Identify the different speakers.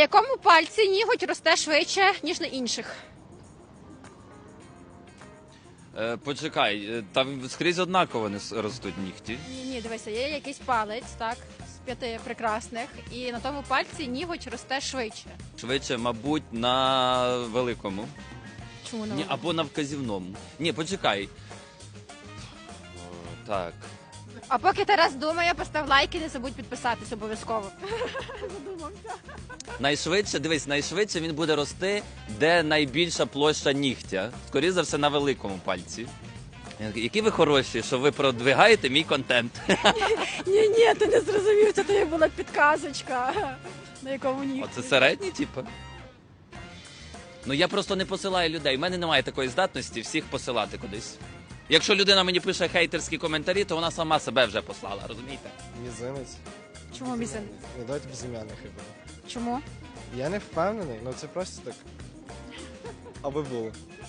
Speaker 1: якому пальці ніготь росте швидше, ніж на інших?
Speaker 2: Почекай, там скрізь однаково ростуть нігті.
Speaker 1: Ні, дивися, є якийсь палець, так, з 5 прекрасних, і на тому пальці ніготь росте швидше.
Speaker 2: Швидше, мабуть, на великому.
Speaker 1: Чому на
Speaker 2: Ні, або на вказівному. Ні, почекай. Так.
Speaker 1: А поки Тарас думає, постав лайк і не забудь підписатись обов'язково. Задумався.
Speaker 2: Найшвидше, дивись, найшвидше він буде рости, де найбільша площа нігтя. Скоріше за все, на великому пальці. Які ви хороші, що ви продвигаєте мій контент.
Speaker 1: Ні, ти не зрозумів, це тобі була підказочка. На якому нігті.
Speaker 2: Оце середній, типу? Ну я просто не посилаю людей. У мене немає такої здатності всіх посилати кудись. Якщо людина мені пише хейтерські коментарі, то вона сама себе вже послала, розумієте?
Speaker 3: Мізинець.
Speaker 1: Чому мізин?
Speaker 3: Ну, давайте безім'яних хіба.
Speaker 1: Чому?
Speaker 3: Я не впевнений, ну це просто так. Аби було.